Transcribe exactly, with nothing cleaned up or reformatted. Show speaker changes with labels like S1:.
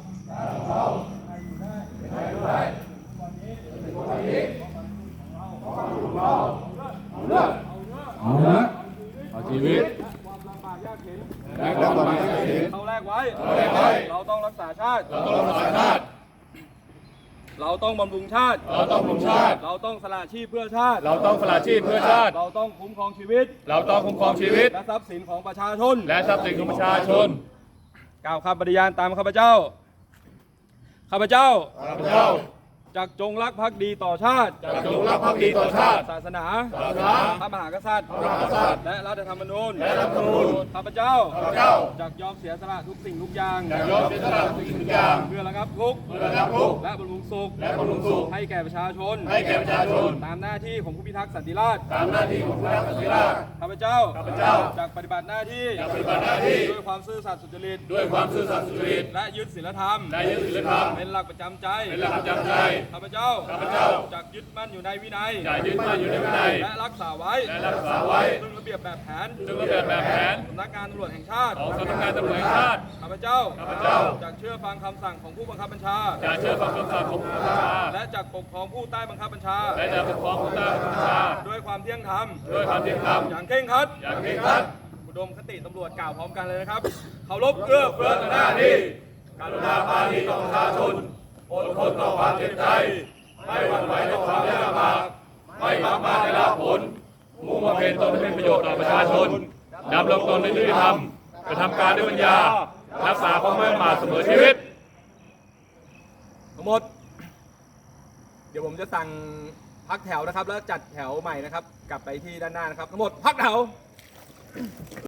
S1: ให้อยู่ได้ให้อยู่ได้วันนี้วันนี้ของเราเอาเลือดเอาเลือดเอาชีวิตความลำบากยากเข็นและความลำบากยากเข็นเราแลกไว้เราต้องรักษาชาติเราต้องรักษาชาติเราต้องบำรุงชาติเราต้องบำรุงชาติเราต้องสละชีพเพื่อชาติ
S2: เราต้องสละชีพเพื่อชาติ
S1: เราต้องคุ้มครองชีวิต
S2: เราต้องคุ้มครองชีวิต
S1: และทรัพย์สินของประชาชน
S2: และทรัพย์สินของประชาชน
S1: กล่าวคำปฏิญาณตามข้าพเจ้าข้าพเจ้า
S2: ข้าพเจ้า
S1: จักจงรักภักดีต่อชาติ
S2: จักจงรักภักดีต่อชาติ
S1: ศาสนา
S2: ศาสนา
S1: พระมหากษัตริย์
S2: พระมหากษัตริย์
S1: และรัฐธรรมนูญ
S2: และรัฐธรรมนูญ
S1: ข้าพเจ้า
S2: ข้าพเจ้า
S1: จักยอมเสียสละทุกสิ่งทุกอย่าง
S2: จักยอมเสียสละทุกสิ่งทุกอย่าง
S1: เพื่อระงับทุกข์
S2: เพื่อระงับทุกข์
S1: และบำรุงสุข
S2: และบำรุงสุข
S1: ให้แก่ประชาชน
S2: ให้แก่ประชาชน
S1: ตามหน้าที่ของผู้พิทักษ์สันติราษฎร์
S2: ตามหน้าที่ของผู้พิทักษ์สันติราษฎร์
S1: ข้าพเจ้า
S2: ข้าพเจ้า
S1: จักปฏิบัติหน้าที่
S2: จักปฏิบัติหน้าที่
S1: ด้วยความซื่อสัตย์สุจริต
S2: ด้วยความซื่อสัตย์สุจริต
S1: และยึดศีลธรรม
S2: และยึดศีลธรรม
S1: เป็นหลักประจำใจ
S2: เป็นหลักประจำใจ
S1: ข้าพเจ้า
S2: ข้าพเจ้า
S1: จักยึดมั่นอยู่ในวินัย
S2: จักยึดมั่นอยู่ในวินัย
S1: และรักษาไว้
S2: และรักษาไว้
S1: ซึ่งระเบียบแบบแผน
S2: ซึ่งระเบียบแบบแผน
S1: สำนักงานตำรวจแห่งชาติ
S2: ของสำนักงานตำรวจแห่งชาติ
S1: ข้าพเจ้า
S2: ข้าพเจ้า
S1: จักเชื่อฟังคำสั่งของผู้บังคับบัญชา
S2: จักเชื่อฟังคำสั่งของผู้บังคับบัญชา
S1: และจักปกครองผู้ใต้บังคับบัญชา
S2: และจักปกครองผู้ใต้บังคับบัญชา
S1: ด้วยความเที่ยงธรรม
S2: ด้วยความเที่ยงธรรม
S1: อย่างเคร่งครัด
S2: อย่างเคร่งครัด
S1: อุดมคติตำรวจกล่าวพร้อมกันเลยนะครับเคารพเอื้อเฟื้อต่อหน้าที่กรุณาปราณีต่อประชาชนอดทนต่อความเจ็บใจไม่หวั่นไหวต่อความยากลำบากไม่หวังมาได้รับผล
S2: มุ่งบำเพ็ญตนให้เป็นประโยชน์ต่อประชาชนดำรงตนในยุติธรรมกระทำการด้วยปัญญารักษาความไม่ประมาทเสมอชีวิต
S1: ทั้งหมดเดี๋ยวผมจะสั่งพักแถวนะครับแล้วจัดแถวใหม่นะครับกลับไปที่ด้านหน้านะครับทั้งหมดพักแถว